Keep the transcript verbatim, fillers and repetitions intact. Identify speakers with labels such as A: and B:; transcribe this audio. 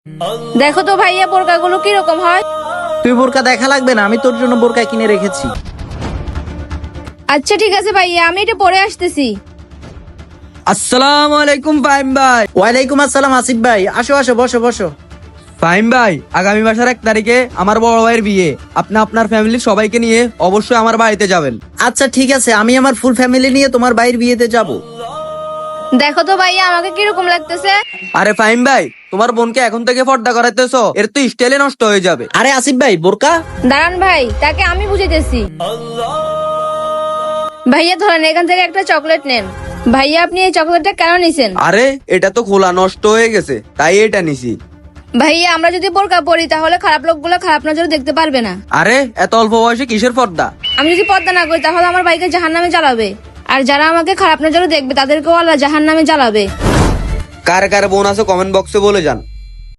A: দেখো তো ভাইয়া বোরকাগুলো কিরকম হয়।
B: তুই বোরকা দেখা লাগবে না, আমি তোর জন্য বোরকা কিনে রেখেছি।
A: আচ্ছা ঠিক আছে ভাইয়া, আমি এটা পরে আসতেছি।
C: আসসালামু আলাইকুম ফাহিম ভাই।
B: ওয়ালাইকুম আসসালাম আসিফ ভাই, আসো আসো, বসো বসো।
C: ফাহিম ভাই, আগামী মাসের এক তারিখে আমার বড় ভাইয়ের বিয়ে। আপনি আপনার ফ্যামিলির সবাইকে নিয়ে অবশ্যই আমার বাড়িতে যাবেন।
B: আচ্ছা ঠিক আছে, আমি আমার ফুল ফ্যামিলি নিয়ে তোমার ভাইয়ের বিয়েতে যাব।
A: দেখো তো ভাইয়া আমাকে কিরকম লাগতেছে।
C: আরে ফাহিম ভাই, তোমার বোনকে এখন থেকে পর্দা করাইতেছো, এর তো স্টাইলে নষ্ট হয়ে যাবে।
B: আরে আসিফ ভাই, বোরকা।
A: দাঁড়ান ভাই, তাকে আমি বুঝাইতেছি। ভাইয়া ধরেন এখান থেকে একটা চকলেট নেন। ভাইয়া আপনি এই চকলেটটা কেন নিছেন?
C: আরে এটা তো খোলা নষ্ট হয়ে গেছে, তাই এটা নিছি।
A: ভাইয়া আমরা যদি বোরকা পরি তাহলে খারাপ লোকগুলো খারাপ নজরে দেখতে পারবে না।
C: আরে এত অল্প বয়সে কিসের পর্দা?
A: আমি যদি পর্দা না করি তাহলে আমার ভাইকে জাহান্নামে জ্বালাবে, আর যারা আমাকে খারাপ নজরে দেখবে তাদেরকেও আল্লাহ জাহান্নামে জ্বালাবে।
C: কার কার বোন আছে কমেন্ট বক্সে বলে যান।